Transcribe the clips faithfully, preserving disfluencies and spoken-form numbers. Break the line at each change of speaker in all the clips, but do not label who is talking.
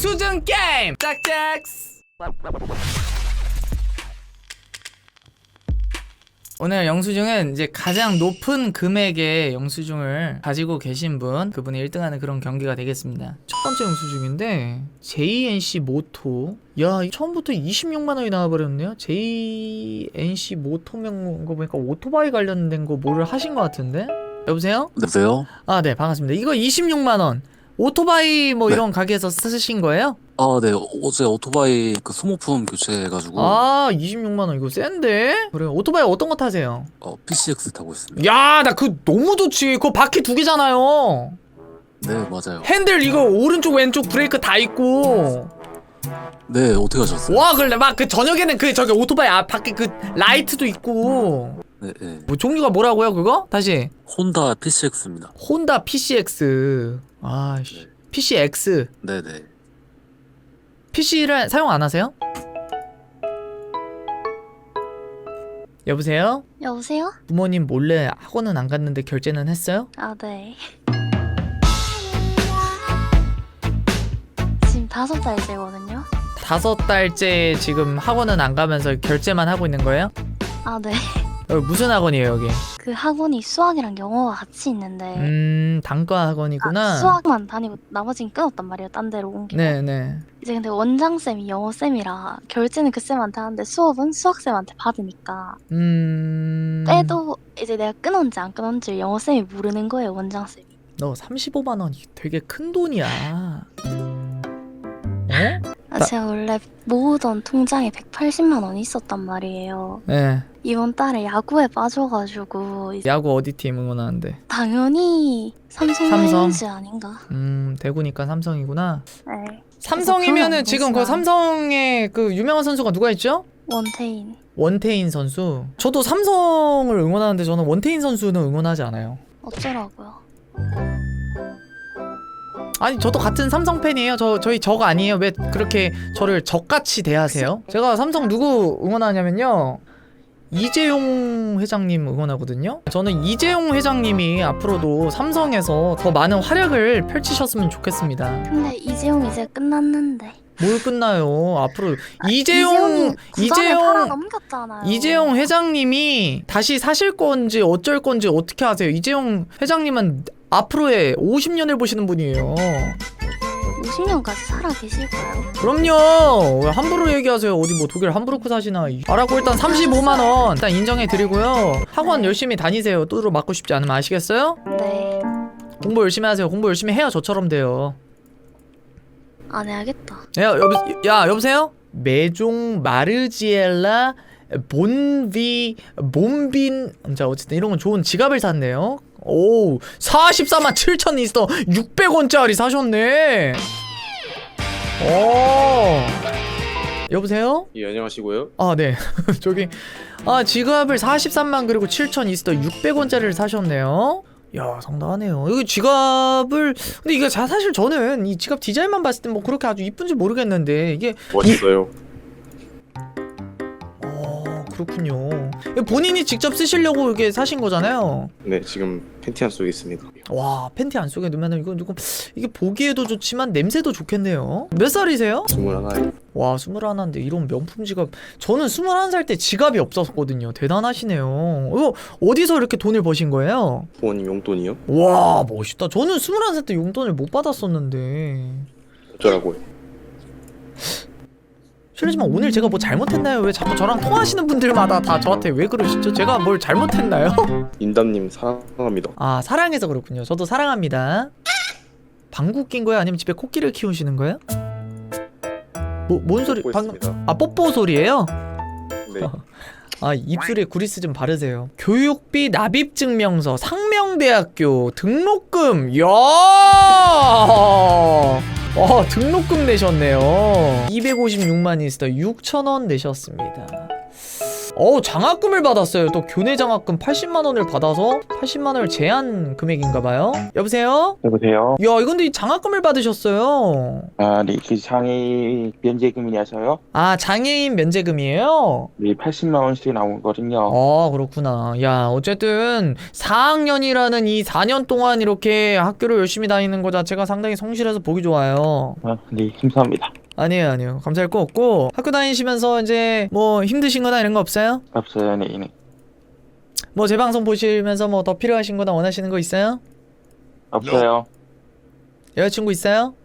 영수증 게임 짝짝. 오늘 영수증은 이제 가장 높은 금액의 영수증을 가지고 계신 분, 그분이 일 등하는 그런 경기가 되겠습니다. 첫 번째 영수증인데 제이엔씨 모토. 야, 처음부터 이십육만 원이 나와버렸네요. 제이엔씨 모토명 거 보니까 오토바이 관련된 거 뭐를 하신 것 같은데? 여보세요?
여보세요?
아, 네, 반갑습니다. 이거 이십육만 원 오토바이 뭐
네.
이런 가게에서 쓰신 거예요?
아, 네. 어제 오토바이 그 소모품 교체해가지고
아, 이십육만 원 이거 센데? 그래요. 오토바이 어떤 거 타세요?
어, 피씨엑스 타고 있습니다.
야, 나 그 너무 좋지. 그거 바퀴 두 개잖아요.
네, 맞아요.
핸들 이거 오른쪽 왼쪽 브레이크 다 있고.
네, 어떻게 하셨어요?
와, 그래 막 그 저녁에는 그 저기 오토바이 앞 바퀴 그 라이트도 있고.
네, 네.
뭐 종류가 뭐라고요, 그거? 다시.
혼다 피씨엑스입니다.
혼다 피씨엑스. 아, 씨.
네.
피씨엑스.
네, 네.
피씨를 사용 안 하세요? 여보세요?
여보세요?
부모님 몰래 학원은 안 갔는데 결제는 했어요?
아, 네. 지금 다섯 달째거든요.
다섯 달째 지금 학원은 안 가면서 결제만 하고 있는 거예요?
아, 네.
여기 무슨 학원이에요, 여기?
그 학원이 수학이랑 영어가 같이 있는데
음, 단과 학원이구나.
아, 수학만 다니고 나머지는 끊었단 말이에요. 딴 데로 옮기고.
네네.
이제 근데 원장쌤이 영어쌤이라 결제는 그 쌤한테 하는데 수업은 수학쌤한테 받으니까
음...
빼도 이제 내가 끊었는지 안 끊었는지 영어쌤이 모르는 거예요. 원장쌤이.
너 삼십오만 원이 되게 큰 돈이야. 어?
아,
나-
제가 원래 모으던 통장에 백팔십만 원이 있었단 말이에요.
네.
이번 달에 야구에 빠져가지고 이제
야구 어디 팀 응원하는데?
당연히 삼성
삼성?
라이온즈 아닌가?
음, 대구니까 삼성이구나.
네.
삼성이면은
그건
지금 그
아니지만.
삼성의 그 유명한 선수가 누가 있죠?
원태인.
원태인 선수. 저도 삼성을 응원하는데 저는 원태인 선수는 응원하지 않아요.
어쩌라고요?
아니, 저도 같은 삼성 팬이에요. 저 저희 적 아니에요. 왜 그렇게 저를 적같이 대하세요? 제가 삼성 누구 응원하냐면요, 이재용 회장님 응원하거든요. 저는 이재용 회장님이 앞으로도 삼성에서 더 많은 활약을 펼치셨으면 좋겠습니다.
근데 이재용 이제 끝났는데.
뭘 끝나요? 앞으로
아,
이재용
구단에 팔아
이재용
넘겼잖아요.
이재용 회장님이 다시 사실 건지 어쩔 건지 어떻게 아세요? 이재용 회장님은 앞으로의 오십 년을 보시는 분이에요.
오십 년까지 살아 계실까요?
그럼요. 왜 함부로 얘기하세요? 어디 뭐 독일 함부르크 사시나? 알았고, 일단 삼십오만 원 일단 인정해 드리고요. 학원 열심히 다니세요. 또로 맞고 싶지 않으면. 아시겠어요?
네.
공부 열심히 하세요. 공부 열심히 해야 저처럼 돼요.
안 해야겠다.
야, 여보, 야, 여보세요? 메종 마르지엘라 본비 몬빈. 자, 어쨌든 이런 건 좋은 지갑을 샀네요. 오, 사십사만 칠천 있어. 육백 원짜리 사셨네. 오. 여보세요?
예, 안녕하시고요.
아, 네. 저기, 아, 지갑을 사십삼만 그리고 칠천 있어 육백 원짜리를 사셨네요. 야, 상당하네요. 이거 지갑을, 근데 이게 자, 사실 저는 이 지갑 디자인만 봤을 때 뭐 그렇게 아주 이쁜지 모르겠는데 이게,
멋있어요.
어, 그렇군요. 이거 본인이 직접 쓰시려고 이게 사신 거잖아요.
네, 지금 팬티 안 속에 있습니다.
와, 팬티 안 속에 넣으면 이거 이거 이게 보기에도 좋지만 냄새도 좋겠네요. 몇 살이세요?
스물하나요.
와, 스물하나인데 이런 명품 지갑. 저는 스물한 살 때 지갑이 없었거든요. 대단하시네요. 이거 어디서 이렇게 돈을 버신 거예요?
부모님 용돈이요?
와, 멋있다. 저는 스물한 살 때 용돈을 못 받았었는데.
어쩌라고요?
실례지만 오늘 제가 뭐 잘못했나요? 왜 자꾸 저랑 통화하시는 분들마다 다 저한테 왜 그러시죠? 제가 뭘 잘못했나요?
인담님 사랑합니다.
아, 사랑해서 그렇군요. 저도 사랑합니다. 방구 낀 거예요? 아니면 집에 코끼리를 키우시는 거예요? 뭐, 뭔 소리?
뽀뽀
방금
했습니다.
아, 뽀뽀 소리예요?
네,
아, 입술에 구리스 좀 바르세요. 교육비 납입 증명서 상명대학교 등록금. 야! 와, 등록금 내셨네요. 이백오십육만 이스터 육천 원 내셨습니다. 어 장학금을 받았어요. 또 교내 장학금 팔십만 원을 받아서 팔십만 원을 제한 금액인가봐요. 여보세요?
여보세요?
야 이건데 장학금을 받으셨어요.
아, 네, 그 장애 면제금이라서요?
아 장애인 면제금이에요?
네, 팔십만 원씩 나오거든요.
아 그렇구나. 야 어쨌든 사 학년이라는 이 사 년 동안 이렇게 학교를 열심히 다니는 거 자체가 상당히 성실해서 보기 좋아요.
아, 네, 감사합니다.
아니에요 아니에요 감사할 거 없고, 학교 다니시면서 이제 뭐 힘드신 거나 이런 거 없어요?
없어요, 네, 네.
뭐 제 방송 보시면서 뭐 더 필요하신 거나 원하시는 거 있어요?
없어요.
여자친구 있어요?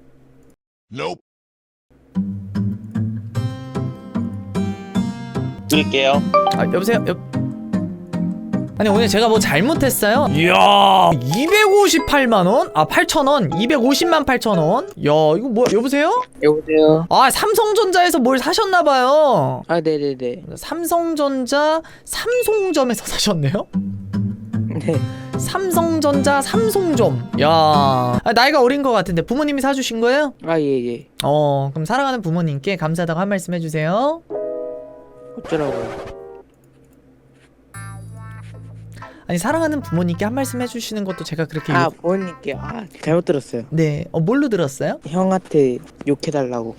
드릴게요.
아 여보세요? 여... 아니 오늘 제가 뭐 잘못했어요? 이야 이백오십팔만 원? 아 팔천 원? 이백오십만 팔천 원? 야 이거 뭐야 여보세요?
여보세요?
아 삼성전자에서 뭘 사셨나봐요.
아, 네네네.
삼성전자 삼송점에서 사셨네요?
네.
삼성전자 삼송점. 야 아, 나이가 어린 것 같은데 부모님이 사주신 거예요?
아, 예, 예.
어 그럼 사랑하는 부모님께 감사하다고 한 말씀 해주세요.
어쩌라고요?
아니 사랑하는 부모님께 한 말씀 해주시는 것도 제가 그렇게
아,
욕...
부모님께. 아, 잘못 들었어요.
네 어, 뭘로 들었어요?
형한테 욕해달라고.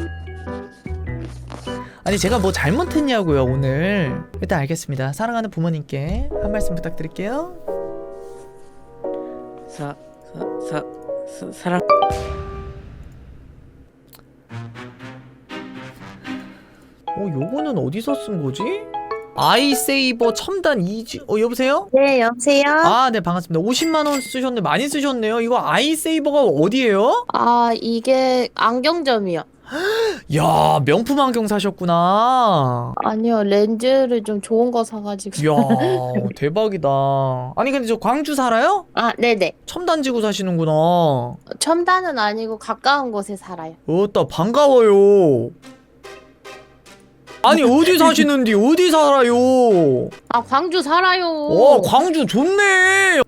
아니 제가 뭐 잘못했냐고요 오늘. 일단 알겠습니다. 사랑하는 부모님께 한 말씀 부탁드릴게요.
사, 사, 사, 사 사랑.
어 요거는 어디서 쓴 거지? 아이세이버 첨단 이지 어 여보세요?
네, 여보세요?
아 네 반갑습니다. 오십만 원 쓰셨네. 많이 쓰셨네요. 이거 아이세이버가 어디예요?
아, 이게 안경점이요.
야 명품 안경 사셨구나.
아니요, 렌즈를 좀 좋은 거 사가지고.
이야 대박이다. 아니 근데 저 광주 살아요?
아, 네네.
첨단지구 사시는구나.
첨단은 아니고 가까운 곳에 살아요.
어따 반가워요. 아니 어디 사시는디 어디 살아요?
아, 광주 살아요.
어 광주 좋네.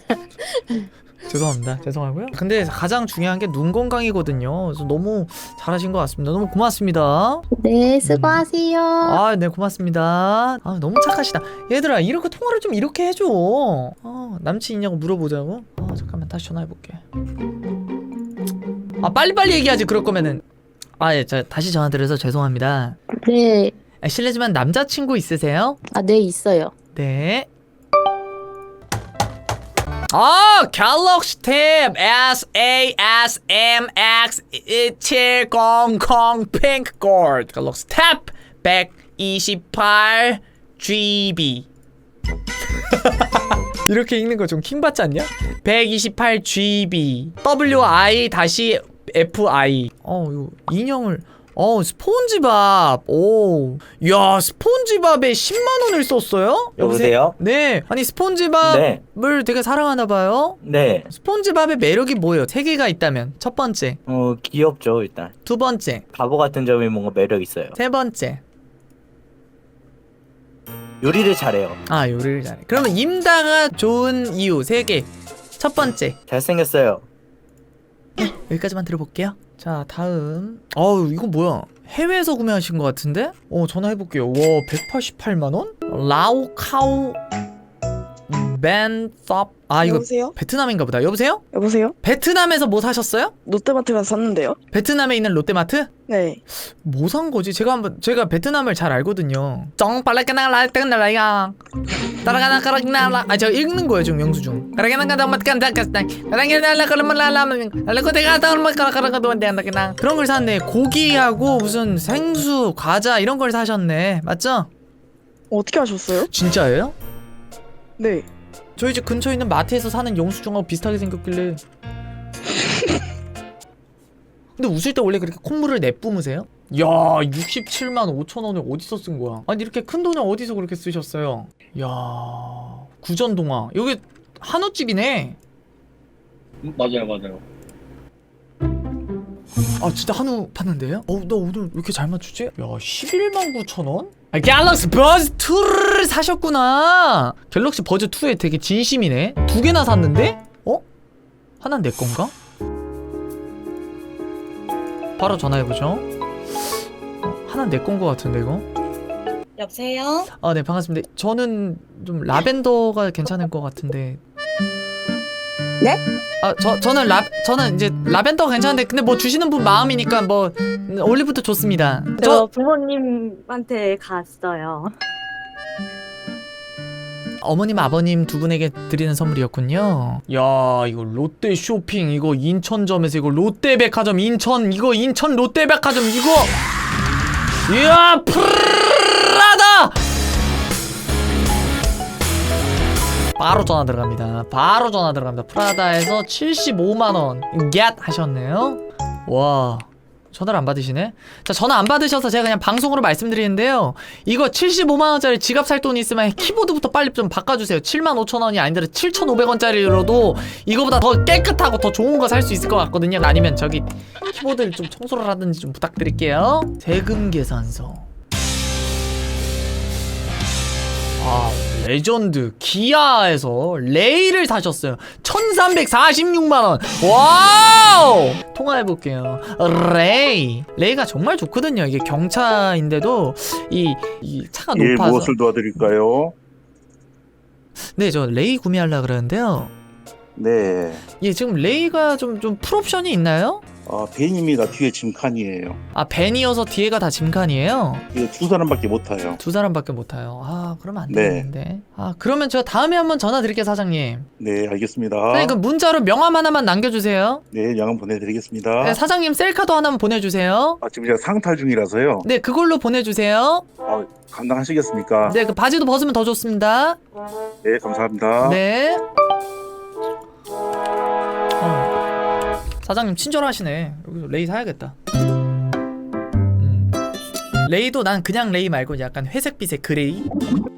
죄송합니다. 죄송하고요. 근데 가장 중요한 게 눈 건강이거든요. 그래서 너무 잘하신 것 같습니다. 너무 고맙습니다.
네, 수고하세요.
아, 네 고맙습니다. 아, 너무 착하시다. 얘들아 이렇게 통화를 좀 이렇게 해줘. 어, 남친 있냐고 물어보자고. 아, 잠깐만 다시 전화해볼게. 아, 빨리빨리 얘기하지 그럴 거면은. 아, 예, 자, 다시 전화드려서 죄송합니다.
네.
아, 실례지만 남자친구 있으세요?
아, 네, 있어요.
네. 아, 갤럭시 탭 에스 에이 에스 엠 엑스 칠백십 핑크 골드 갤럭시 탭 백이십팔 지비 이렇게 읽는 거 좀 킹받지 않냐? 백이십팔 지비 더블유 아이 에프 아이 어, 이거 인형을 어 스폰지밥 오 야 스폰지밥에 십만 원을 썼어요?
여보세요?
네 아니 스폰지밥을
네.
되게 사랑하나봐요.
네.
스폰지밥의 매력이 뭐예요? 세 개가 있다면 첫 번째
어, 귀엽죠, 일단.
두 번째
바보 같은 점이 뭔가 매력 있어요.
세 번째
요리를 잘해요.
아 요리를 잘해. 그러면 임다가 좋은 이유 세 개. 첫 번째
잘생겼어요.
여기까지만 들어볼게요. 자 다음 어우 이거 뭐야 해외에서 구매하신 것 같은데? 어 전화해볼게요. 와 백팔십팔만 원? 라오카오 벤섭 아 이거
여보세요?
베트남인가 보다. 여보세요?
여보세요?
베트남에서 뭐 사셨어요?
롯데마트 가서 샀는데요?
베트남에 있는 롯데마트?
네.
뭐 산 거지? 제가 한번 제가 베트남을 잘 알거든요. 쩡빨라까나라ตึ้ง날라야 따라가나까라나라 아 제가 읽는 거예요 지금 영수증. 그런 걸 샀네. 고기하고 무슨 생수, 과자 이런 걸 사셨네. 맞죠?
어떻게 하셨어요?
진짜예요?
네.
저희 집 근처에 있는 마트에서 사는 영수증하고 비슷하게 생겼길래. 근데 웃을 때 원래 그렇게 콧물을 내뿜으세요? 야 육십칠만 오천 원을 어디서 쓴 거야? 아니 이렇게 큰 돈을 어디서 그렇게 쓰셨어요? 야 구전동화 여기 한우집이네.
맞아요, 맞아요.
아 진짜 한우 파는데요? 어나 오늘 왜 이렇게 잘 맞추지? 야 십일만 구천 원? 아, 갤럭시 버즈 투를 사셨구나. 갤럭시 버즈 투에 되게 진심이네. 두 개나 샀는데? 어? 하나는 내 건가? 바로 전화해보죠. 어, 하나는 내 건 거 같은데 이거?
여보세요?
아, 네, 반갑습니다. 저는 좀 라벤더가 괜찮을 것 같은데.
네?
아, 저 저는 라 저는 이제 라벤더가 괜찮은데 근데 뭐 주시는 분 마음이니까 뭐 올리브도 좋습니다.
저
저
부모님한테 갔어요.
어머님 아버님 두 분에게 드리는 선물이었군요. 야, 이거 롯데 쇼핑 이거 인천점에서 이거 롯데백화점 인천 이거 인천 롯데백화점 이거 이야 프라다 바로 전화 들어갑니다. 바로 전화 들어갑니다. 프라다에서 칠십오만 원 겟 하셨네요. 와, 전화를 안 받으시네. 자, 전화 안 받으셔서 제가 그냥 방송으로 말씀드리는데요, 이거 칠십오만 원짜리 지갑 살 돈 있으면 키보드부터 빨리 좀 바꿔주세요. 칠만 오천 원이 아니더라도 칠천오백 원짜리로도 이거보다 더 깨끗하고 더 좋은 거 살 수 있을 것 같거든요. 아니면 저기 키보드를 좀 청소를 하든지 좀 부탁드릴게요. 세금 계산서. 아, 레전드 기아에서 레이를 사셨어요. 천삼백사십육만 원. 와우! 통화해볼게요. 레이 레이가 정말 좋거든요. 이게 경차인데도 이, 이 차가
예,
높아서.
무엇을 도와드릴까요?
네, 저 레이 구매하려고 그러는데요,
네.
예, 지금 레이가 좀, 좀 풀옵션이 있나요?
아, 벤입니다. 뒤에 짐칸이에요.
아, 벤이어서 뒤에가 다 짐칸이에요?
이게 두 사람밖에 못 타요.
두 사람밖에 못 타요. 아, 그러면 안
네.
되는데. 아, 그러면 저 다음에 한번 전화 드릴게요, 사장님.
네, 알겠습니다.
사장님, 그 문자로 명함 하나만 남겨주세요.
네, 양은 보내드리겠습니다.
네, 사장님 셀카도 하나만 보내주세요.
아, 지금 제가 상탈 중이라서요.
네, 그걸로 보내주세요.
아, 감당하시겠습니까?
네, 그 바지도 벗으면 더 좋습니다.
네, 감사합니다.
네. 어. 사장님 친절하시네. 여기서 레이 사야겠다. 음. 레이도 난 그냥 레이 말고 약간 회색빛의 그레이.